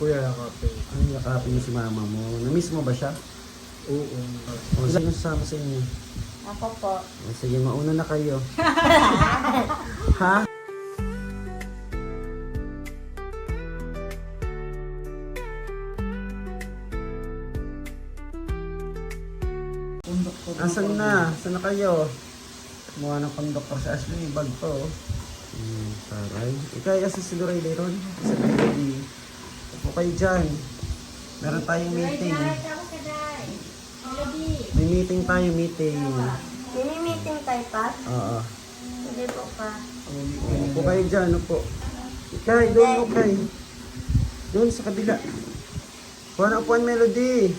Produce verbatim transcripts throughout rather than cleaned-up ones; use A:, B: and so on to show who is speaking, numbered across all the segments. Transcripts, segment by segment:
A: Kuya, yakapin.
B: Ay, yakapin mo si mama mo. Namiss mo ba siya?
A: Oo.
B: O, sino sasama sa inyo?
C: Ako po.
B: O, sige, mauna na kayo. Ha? Asan na? Asan na kayo? Kumuha ng pang-doktor si Ashley. May bag to. oh. Hmm, taray. Ikaw, asa si Lorelei ron? Sa baby. Upo kayo dyan. Meron tayong meeting. May meeting tayo, meeting.
C: Mini-meeting tayo pa?
B: Oo.
C: Hindi po pa.
B: Upo kayo dyan, upo. Ikaw, doon, okay. Doon sa kabila. Kuha na upuan, Melody.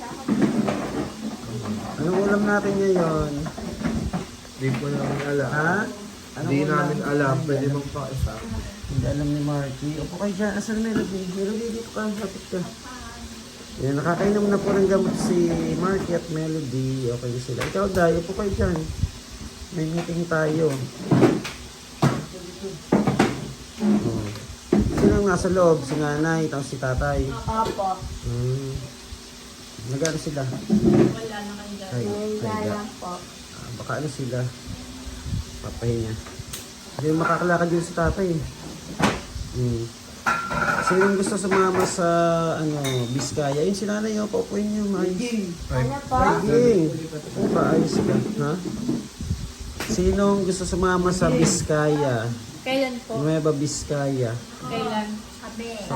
B: Anong ulam natin ngayon?
A: Hindi po namin alam.
B: Ha? Anong
A: Hindi
B: ulam?
A: namin alam. Pwede magpakaisa.
B: Hindi alam ni Marky. Upo kayo dyan. Asan Melody? Melody, dito ka. Hapit ka. Yan, nakakainom na po ng gamot si Marky at Melody. Okay na sila. Ikaw, Day, upo kayo dyan. May meeting tayo. Oh. Sino ang nasa loob? Si nanay, tapos si tatay.
C: Opo.
B: Hmm. Nag-ano sila?
C: Wala na kayo dyan.
B: Ay,
C: Wala
B: ay,
C: lang po.
B: Ah, baka ano sila? Papahinga. Hindi makakalakad yun si tatay. Hmm. Sino yung gusto sumama sa ano, Biskaya? Yun si nanay, oh, paupuin niyo, maayos.
C: Ano po?
B: Ay, paayos ka, ha? Sinong gusto sumama sa Biskaya?
D: Kailan po?
B: Nueva Biskaya.
D: Kailan?
C: Kabe.
B: Sa,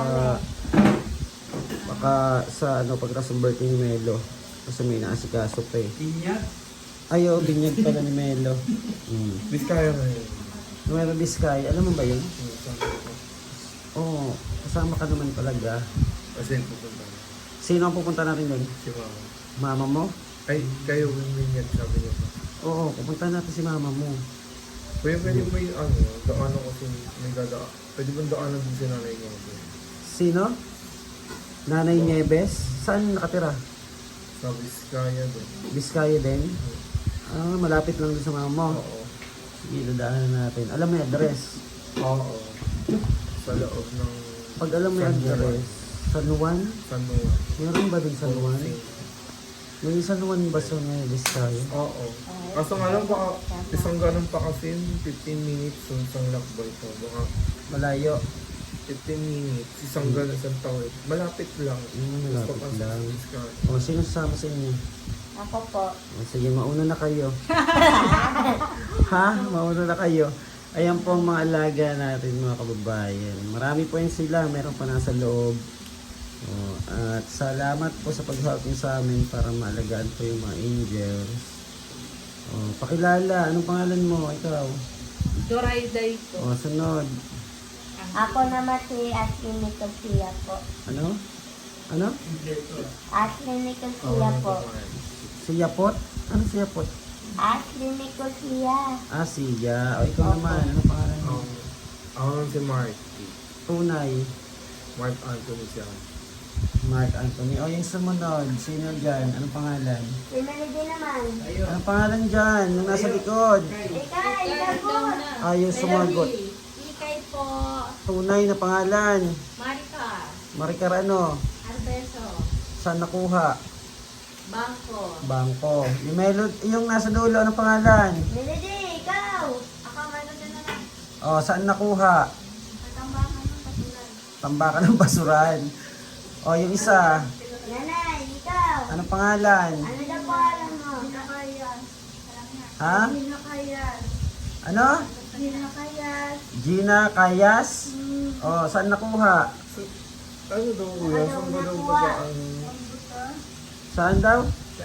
B: baka sa ano, pagkatapos ng birthday ni Melo. Kasi may naasikaso pa eh.
A: Binyag?
B: Ay, oo, binyag pala ni Melo. Hmm.
A: Biskaya na yun.
B: Nueva Biskaya, alam mo ba yun? Oo, kasama ka naman talaga.
A: Kasi pupunta na.
B: Sino ang pupunta natin doon?
A: Si mama.
B: Mama mo?
A: Ay, kayo yung binyag sabi niyo pa.
B: Oo, pupunta natin si mama mo.
A: Kuya, pwede mo yung ano, daanan kasi may dadaan. Pwede mo daanan din si nanay niya.
B: Sino? Nanay Nieves? Saan nakatira?
A: Sa Biskaya doon.
B: Biskaya din? Ah, malapit lang din sa mama mo.
A: Oo.
B: Sige, dadaanan natin. Alam mo yung address?
A: Oo. Sa loob ng
B: Pag alam mo yung
A: San Juan.
B: address, San Juan?
A: San Juan.
B: Meron ba din San Juan? May San Juan ba sa Nueva Biskaya?
A: Oo. Kaso nga lang baka isang ganun pa kasi fifteen minutes yung isang lakbay ko. Baka
B: Malayo.
A: fifteen minutes, isang ganun, isang tawid. Malapit lang.
B: Hmm, malapit
A: Gusto pa
B: lang.
A: sa Biskaya.
B: O, sino sasama sa inyo?
C: Ako po.
B: O, sige, mauna na kayo. Ha? Mauna na kayo. Ayan po ang mga alaga natin, mga kababayan. Marami po yan sila. Meron pa nasa loob. O, at salamat po sa pag-help niyo sa amin para maalagaan po yung mga angels. O, pakilala. Anong pangalan mo? Ikaw.
D: Dorayday po.
B: O, sunod.
C: Ako naman si Ashley Nicosia po.
B: Ano? Ano?
C: Ashley Nicosia po.
B: Si Yapot? Ano si Yapot?
C: Ashley Nicosia.
B: Ah, siya. O, ikaw naman. Ano pangalan mo?
A: Um, ako naman si Mark.
B: Tunay.
A: Mark Anthony siya.
B: Mark Anthony. O, yung sumunod. Sino dyan? Anong pangalan?
C: Si Melody naman.
B: Anong pangalan dyan? Yung nasa likod.
C: Ika, ika po.
B: Ayaw sumagot.
D: Ikay po.
B: Tunay na pangalan.
D: Marika.
B: Maricar ano?
D: Arbeso.
B: Saan nakuha?
D: Bangko.
B: Bangko. Yung, melod, yung nasa dulo, anong pangalan?
C: Melody, ikaw.
D: Ako meron din na lang.
B: O, saan nakuha?
D: Katambakan ng patulan.
B: Tambakan ng basuran. O, yung isa,
C: Nanay, ikaw.
B: anong pangalan?
C: Ano na po alam mo?
D: Pinakayas.
B: Ha?
D: Pinakayas.
B: Ano?
D: Pinakayas.
B: Gina Kayas? O, saan nakuha?
A: Ano daw kuya? Saan ba daw ba ang...
B: Saan daw?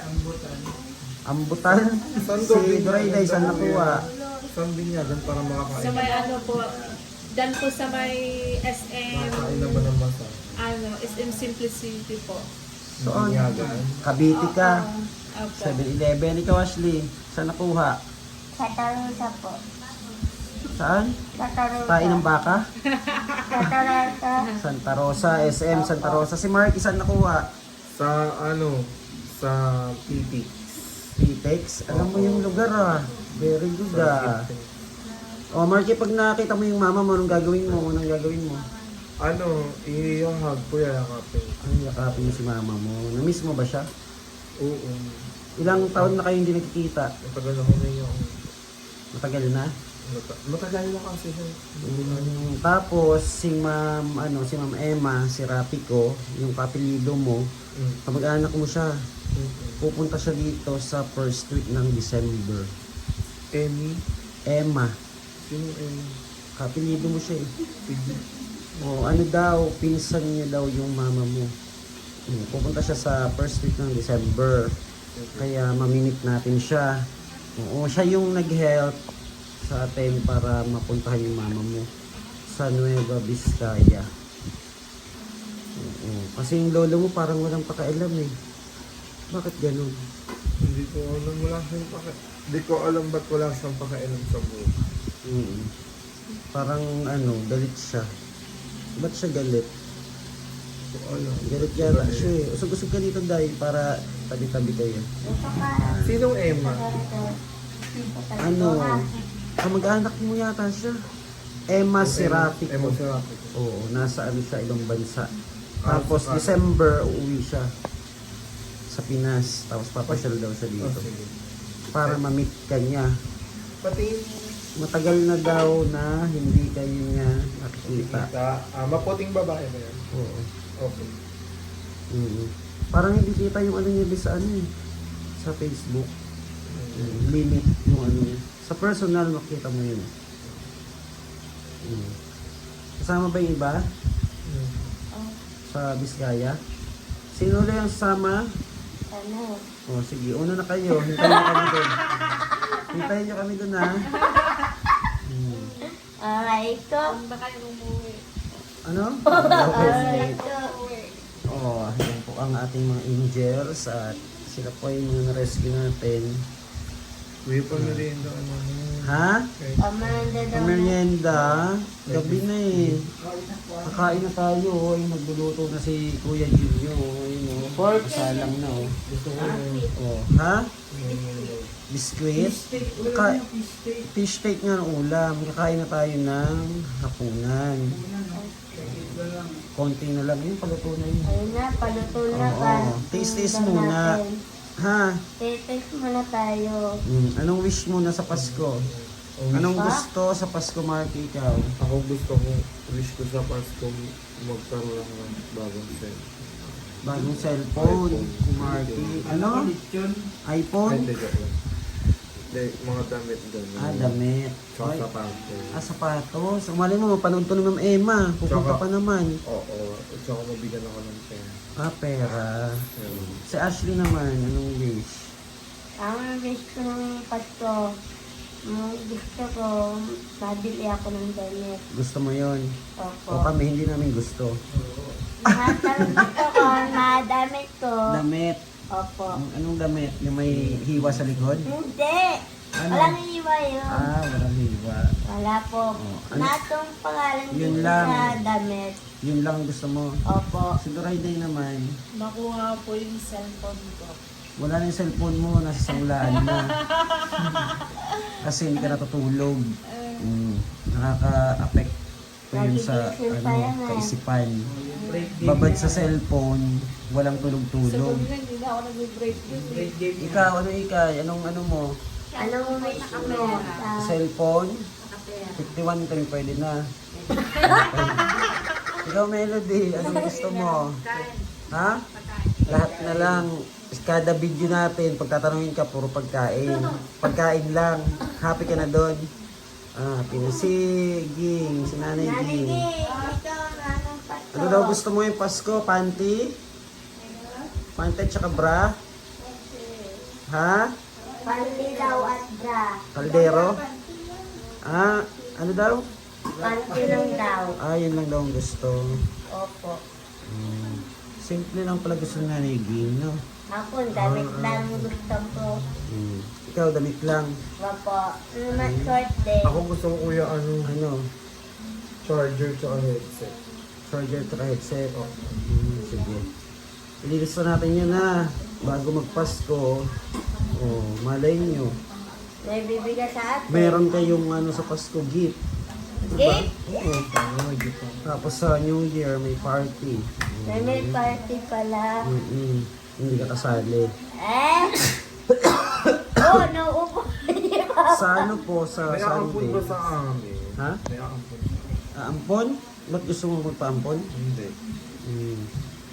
B: Ambutan?
A: Saan daw
B: Si Dorayday, saan nakuha?
A: Saan binyagan para makakain?
D: Sa may ano po, dan po sa may S M,
A: Makakain na ba ng masa?
D: ano, S M Simplicity po.
B: Soon?
A: Binyagan?
B: Kabiti ka.
D: Opo.
B: seven eleven. Ikaw, Ashley. Saan nakuha?
C: Sa Tarusa po.
B: Saan?
C: Sa Tarusa.
B: Tain ng baka?
C: Sa Tarusa.
B: Santa Rosa, S M Santa Rosa. Si Mark, saan nakuha?
A: Sa ano? Sa P P.
B: Pitex. Alam mo yung lugar ah. Very good ah. O, Marky, pag nakita mo yung mama mo, anong gagawin mo? Anong gagawin mo?
A: Ano, i-hug ko yan yakapin.
B: Ay, yakapin mo si mama mo. Na-miss mo ba siya?
A: Oo.
B: Ilang taon na kayo hindi nagkikita?
A: Matagal ako na yung...
B: Matagal na?
A: Mata- matagal na kasi siya.
B: Mm, tapos, si ma'am, ano, si ma'am Emma, si Rapi ko, yung kapilido mo,
A: Mm.
B: kamag-anak mo siya.
A: Mm.
B: Pupunta siya dito sa first week ng December.
A: Emmy?
B: Emma,
A: Sino Emmy?
B: kapilido mo siya eh.
A: Sige.
B: O, ano daw, pinsan niya daw yung mama mo. Mm, pupunta siya sa first week ng December. Kaya mamimit natin siya. Oo, siya yung nag-help sa atin para mapuntahan yung mama mo sa Nueva Vizcaya. Oo, kasi yung lolo mo parang walang pakialam eh. Bakit ganun?
A: Hindi ko alam, wala siyang paka... Hindi ko alam ba't wala siyang pakialam sa buhay.
B: Mm. Parang ano, galit siya. Ba't siya galit?
A: Hindi ko alam.
B: Galit yata siya eh. Usog-usog ka dito dahil para tabi-tabi kayo.
C: Ito ka.
A: Sinong Emma?
B: Ano? Kamag-anak mo yata siya. Emma Serapico.
A: Emma Serapico.
B: Oo, nasa ano siya, ibang bansa.
A: Ah,
B: Tapos
A: ah.
B: December, uuwi siya sa Pinas. Tapos papasyal daw siya
A: Oh,
B: dito.
A: sige.
B: Para ma-meet ka niya.
A: Pati
B: Matagal na daw na hindi kayo niya nakikita.
A: kita, ah, maputing babae ba yan?
B: Oo.
A: Okay.
B: Mm. Parang hindi kita yung ano niya sa ano eh. Sa Facebook. Mm, limit yung ano niya. Sa personal, makita mo yun. Mm. Kasama ba yung iba?
A: Mm.
B: Sa Biskaya? Sino ulit ang sasama?
C: Ano?
B: O sige, una na kayo. Hintayin nyo kami doon. Hintayin nyo kami doon ha. Hmm.
C: Alright ko.
D: Kung ba kayo umuwi?
B: Ano?
C: Alright ko.
B: Oh, yan po ang ating mga angels at sila po yung mga na-rescue natin.
A: Uy, pa merienda ano na.
B: Ha?
A: Okay.
C: Amanda daw.
B: Merienda? Gabi na eh. Kakain na tayo. Oh. Ay, nagluluto na si Kuya Junyo. Oh. Ayun oh. Pork? Kasalang na oh.
A: Gusto ko yung...
B: Oh. Ha? Biskuit? Ka- fish steak nga ang ulam. Kakain na tayo ng hapunan. Konti na lang yun. Paluto na yun.
C: Ayun na, paluto na
B: Oo.
C: ka.
B: Taste-taste
C: Tingnan
B: muna.
C: natin.
B: Ha?
C: Taste muna tayo.
B: Mm, anong wish mo na sa Pasko? Anong
C: Pa?
B: gusto sa Pasko, Marky, ikaw?
A: Ako gusto ko, wish ko sa Pasko magkaroon lang ng bagong set.
B: Bagong cellphone, Marky. Ano?
A: Ay,
B: iPhone?
A: hindi ko. Hindi, mga damit doon.
B: Ah, damit.
A: Tsaka
B: Ay,
A: sapatos.
B: ah, sapatos. Umali mo, mapanood to ni Ma'am Emma. Pupunta
A: Tsaka-
B: pa naman.
A: Oo, tsaka mabigyan ako ng pera.
B: Ah, pera.
A: Ayun.
B: Si Ashley naman, anong wish?
C: Ang wish ko ng Pasko, mm, gusto ko, mabili ako ng damit.
B: Gusto mo yon?
C: Opo.
B: O kami, hindi namin gusto.
C: Lahat ng gusto ko, mga damit ko.
B: Damit.
C: Opo.
B: Ang- Anong damit? Yung may hiwa sa likod?
C: Hindi!
B: Ano?
C: Walang iwa yun.
B: Ah, walang hiwa.
C: Wala po.
B: Oh, ano?
C: Natong pangalan
B: Yun
C: dito
B: lang.
C: sa damit.
B: Yun lang ang gusto mo.
C: Opo.
B: Si Dorayday naman,
D: Makuha po yung cellphone ko.
B: wala na yung cellphone mo, nasa sangulaan na. Kasi hindi ka natutulog. Mm, nakaka-affect po yun sa
C: Nagigising pa
B: ano,
C: yan eh.
B: kaisipan. Babad sa cellphone, walang
D: Sa
B: tulog-tulog.
D: gabi na, hindi na ako nag-break yun eh.
B: Ikaw, ano ikay? Anong ano mo?
C: Anong wish mo? Sa
B: Cellphone? fifty-one ka rin pwede na. Ikaw, Melody, anong gusto mo? Ha? Lahat na lang. Kada video natin, pagtatanungin ka, puro pagkain. Pagkain lang. Happy ka na doon. Ah, happy na si Ging, si Nanay Ging.
C: Naligay! Ito, anong Pasko?
B: Ano daw gusto mo yung Pasko? Panty? Panty at saka bra? Ha?
C: Panty daw at bra.
B: Kaldero? Ah, ano daw?
C: Panty lang daw.
B: Ah, yun lang daw ang gusto.
C: Opo.
B: Hmm. Simple lang pala gusto ng Nanay Ging, no?
C: Ako, damit lang gusto ko.
B: Hmm. Ikaw, damit lang.
C: Opo. Naman short din.
A: Ako gusto ko kuya ano,
B: Ano?
A: charger tsaka headset.
B: Charger at headset. Hmm, sige. Ililista natin yun na. Bago magpasko. Oh, malay nyo.
C: May bibigay sa atin.
B: Meron kayong ano sa Pasko gift.
C: Game?
B: Oo.
A: Ano, may gift ako.
B: Tapos sa New Year, may party.
C: May may party pala.
B: Mm-mm. Hindi ka kasali.
C: Eh? Oh, nauupo. Di ba?
B: Sa ano po, sa
A: May aampon
B: Sunday.
A: ba sa amin?
B: Ha?
A: May aampon.
B: Aampon? Ba't gusto mo magpaampon?
A: Hindi.
B: Hmm.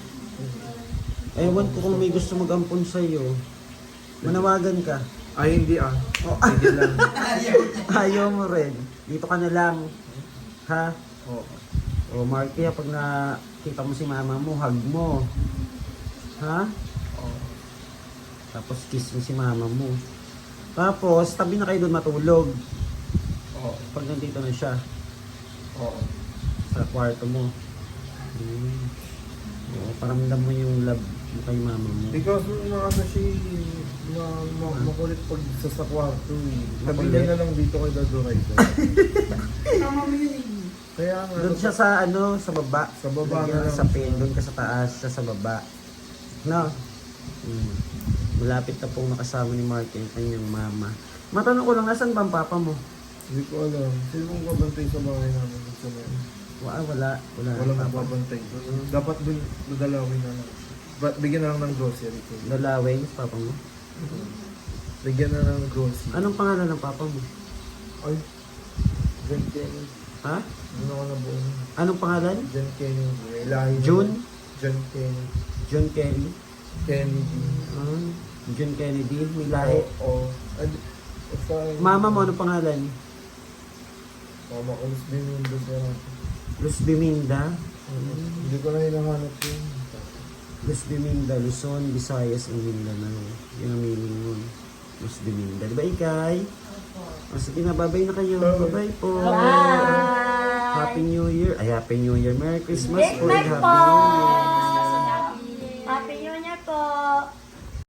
B: Ewan ko kung may gusto mag-ampon sa'yo. Manawagan ka.
A: Ay, hindi ah.
B: Oh,
A: Hindi lang.
B: ayaw mo rin. Dito ka na lang. Ha?
A: Oo.
B: O Marky, pag nakita mo si mama mo, hug mo. Ha?
A: Oo.
B: Tapos kiss mo si mama mo. Tapos, tabi na kayo doon matulog.
A: Oo.
B: Pag nandito na siya.
A: Oo.
B: Sa kwarto mo. Hmm. Oo, paramdam mo yung love mo kay mama mo.
A: Because mga ano siya, ma, ma, makulit pag sa sa kwarto eh. Tabi
B: Makulit?
A: niya na lang dito kay Dado Rider. Tama mo yun eh. Kaya nga.
B: Doon siya sa ano, sa baba.
A: Sa baba
B: Lagyan
A: na
B: ng
A: lang
B: sapin,
A: siya.
B: doon ka sa taas, siya sa baba. No? Hmm. Malapit na pong nakasama ni Marky ang kanyang mama. Matanong ko lang, nasan ba ang papa mo?
A: Hindi ko alam. Sino mong babantay sa bahay namin dun sa meron?
B: Wala, wala. Wala.
A: Walang
B: ang papa.
A: magbabantay. Dapat dun, dadalawin na lang. Ba, bigyan na lang ng grocery ko.
B: Dalaway, papa mo.
A: Bigyan na lang ng grocery.
B: Anong pangalan ng papa mo?
A: Ay, John Kenny.
B: Ha?
A: Ano ako na buo?
B: Anong pangalan?
A: John Kenny. May lahi na-
B: June?
A: John Kenny.
B: John Kelly?
A: Kennedy.
B: Ah, John Kennedy? May lahi.
A: Oo. Ay, basta...
B: Mama mo, anong pangalan?
A: Mama ko, Luz Biminda siya.
B: Luz Biminda?
A: Hindi ko na hinahanap yun.
B: Luz Biminda, Luzon, Visayas, and Mindanao. Yun ang meaning nun. Luz Biminda. Di ba, Ikay? O, sige na, bye-bye na kayo. Bye-bye po.
C: Bye!
B: Happy New Year. Ay, Happy New Year. Merry Christmas po. and
C: Christmas
B: Happy
C: po!
B: New Year.
C: Happy New Year po!